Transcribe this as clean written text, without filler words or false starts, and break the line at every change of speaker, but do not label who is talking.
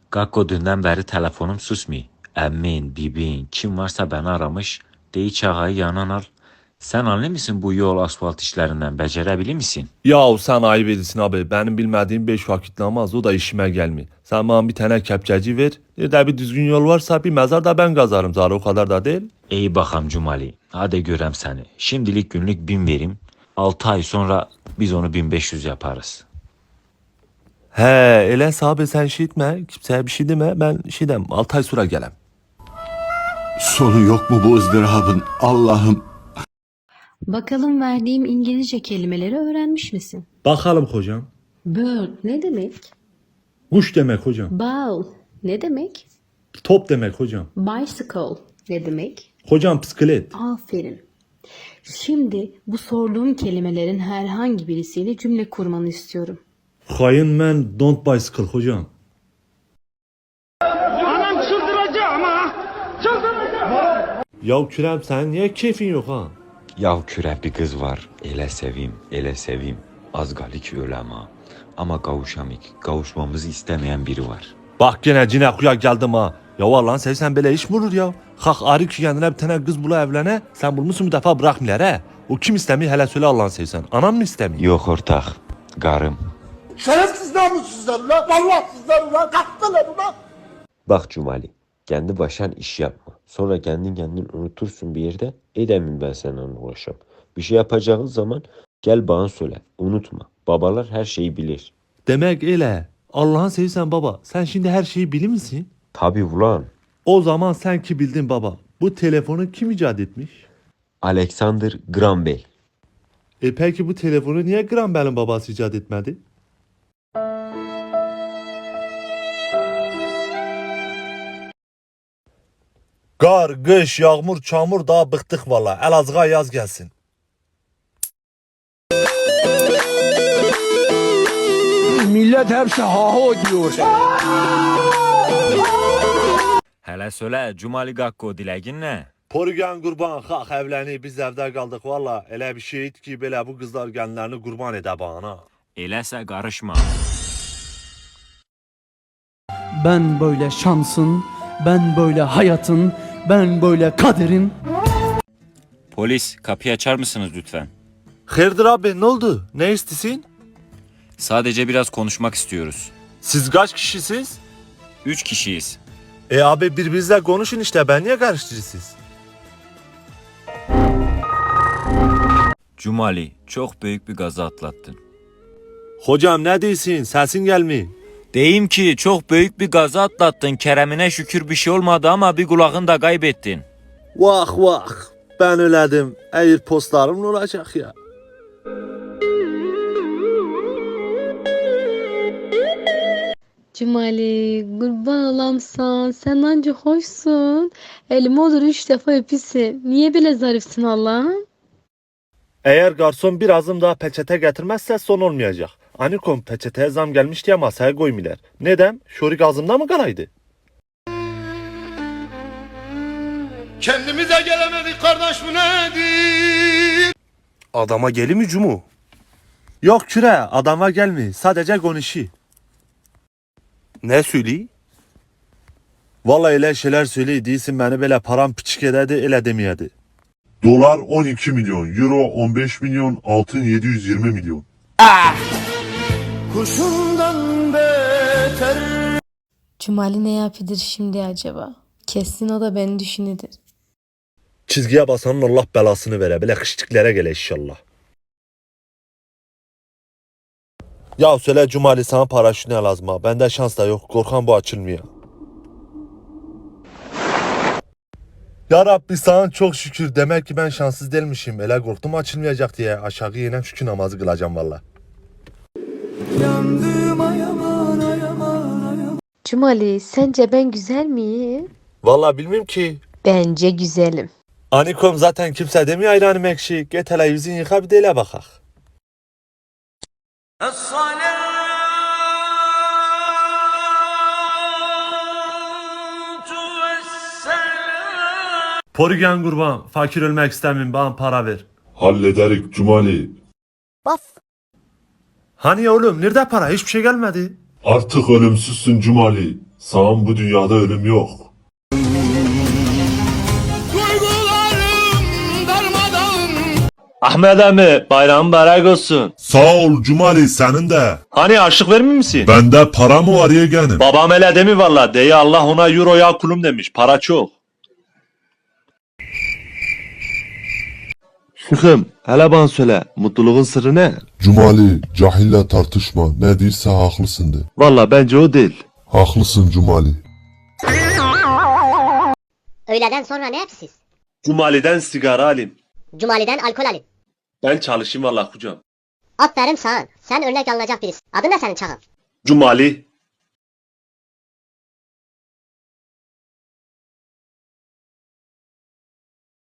Gakko dünden beri telefonum susmuyor. Emmin, bibin, kim varsa beni aramış. Dey çağayı yanan al. Sen anlı mısın bu yol asfalt işlerinden? Becerebilir misin?
Yahu sen ayıp edirsin abi. Benim bilmediğim 5 vakit namaz o da işime gelmiyor. Sen bana bir tane kepçeci ver. Nerede bir düzgün yol varsa bir mezar da ben kazarım zaten o kadar da değil.
İyi bakam Cumali. Hadi görem seni. Şimdilik günlük 1000 vereyim. 6 ay sonra biz onu 1500 yaparız.
He öyle abi sen şey etme. Kimseye bir şey deme. Ben şey demem. 6 ay sonra gelem.
Sonu yok mu bu ızdırabın? Allah'ım.
Bakalım verdiğim İngilizce kelimeleri öğrenmiş misin?
Bakalım hocam.
Bird ne demek?
Kuş demek hocam.
Ball ne demek?
Top demek hocam.
Bicycle ne demek?
Hocam bisiklet.
Aferin. Şimdi bu sorduğum kelimelerin herhangi birisiyle cümle kurmanı istiyorum.
Hayın men don't bicycle hocam.
Anam çıldıracağım ha. Çıldıracağım.
Ya Kürem sen niye keyfin yok ha?
Yahu küre bir kız var. Ele seveyim, ele seveyim. Az galik ölem ha. Ama kavuşamik. Kavuşmamızı istemeyen biri var.
Bak gene cinekuya geldim ha. Ya Allah'ın sevsen böyle iş mi olur ya? Kalk arı ki kendine bir tane kız bula evlene. Sen bulmuşsun bir defa bırakmıyorlar he. O kim istemiyor hele söyle Allah'ın sevsen. Anam mı istemiyor?
Yok ortak. Garım.
Şerefsiz namussuzlar ulan. Vallahtsızlar ulan. Kalktılar ulan.
Bak Cumali. Kendi başan iş yapma. Sonra kendin unutursun bir yerde. Edemin ben seninle uğraşam. Bir şey yapacağın zaman gel bana söyle. Unutma. Babalar her şeyi bilir.
Demek öyle. Allah'ın sevsen baba. Sen şimdi her şeyi bilir misin?
Tabi ulan.
O zaman sen ki bildin baba. Bu telefonu kim icat etmiş?
Alexander Graham Bell.
Peki bu telefonu niye Graham Bell'in babası icat etmedi? Kar, kış, yağmur, çamur daha bıktık valla. Elazığ'a yaz gelsin.
Millet hepsi ha diyor.
Hele söyle Cumali Gakko dilegin ne?
Porugan kurban kalk evleni biz evde kaldık valla. Elə bir şeydi ki böyle bu kızlar kendilerini kurban ede bana.
Eləsə karışma.
Ben böyle şansın, ben böyle hayatın, ben böyle kaderin.
Polis kapıyı açar mısınız lütfen?
Hayırdır abi ne oldu? Ne istisin?
Sadece biraz konuşmak istiyoruz.
Siz kaç kişisiniz?
3 kişiyiz.
Abi birbirinizle konuşun işte ben niye karıştırırsınız?
Cumali çok büyük bir gaza atlattın.
Hocam ne diyorsun? Sesin gelmiyor.
Deyim ki çok büyük bir gaza atlattın. Kerem'ine şükür bir şey olmadı ama bir kulağını da kaybettin.
Vah vah ben öledim. Eğer postlarım ne olacak ya?
Cumali kurban olamsan sen anca hoşsun. Elim olur 3 defa öpüsün. Niye böyle zarifsin Allah'ım?
Eğer garson bir azım daha peçete getirmezse son olmayacak. Anikom peçeteye zam gelmiş diye masaya koymuyorlar. Neden? Şorik ağzımda mı kalaydı?
Kendimize gelemedik kardeş bu nedir?
Adama geli mi cumu? Yok küre adama gelmi sadece konuşu. Ne söyleyeyim? Vallahi öyle şeyler söyleyeyim değilsin beni böyle param piçik ederdi öyle demeyedi.
Dolar 12 milyon, euro 15 milyon, altın 720 milyon.
Kuşundan beter.
Cumali ne yapıdır şimdi acaba? Kesin o da beni düşünüdür.
Çizgiye basanın Allah belasını vere böyle kışlıklara gele inşallah. Ya söyle Cumali sana paraşüt ne lazım ha? Bende şans da yok. Korkan bu açılmıyor. Ya Rabbi sana çok şükür. Demek ki ben şanssız değilmişim. Ele korktum açılmayacak diye. Aşağı yenem şükür namazı kılacağım valla.
Cumali sence ben güzel miyim?
Valla bilmiyorum ki.
Bence güzelim.
Anikom zaten kimse demiyor ayranım ekşi. Get televizyon yıka bir de ele bakak. Porugan kurban. Fakir ölmek istemiyorum. Bana para ver.
Hallederik Cumali.
Hani oğlum nerede para? Hiçbir şey gelmedi.
Artık ölümsüzsün Cumali. Sağım bu dünyada ölüm yok.
Ahmet emmi bayram mübarek olsun.
Sağ ol Cumali senin de.
Hani aşık vermiyor misin?
Bende para mı var yeğenim?
Babam öyle demi valla. Deyi Allah ona euro ya kulum demiş. Para çok. Şıkım hele bana söyle. Mutluluğun sırrı ne?
Cumali cahille tartışma. Ne değilse haklısın de.
Valla bence o değil.
Haklısın Cumali.
Öğleden sonra ne yapsınız?
Cumali'den sigara alayım.
Cumali'den alkol alın.
Ben çalışayım valla hocam.
Aferin sana. Sen örnek alınacak birisin. Adın ne senin çakal?
Cumali.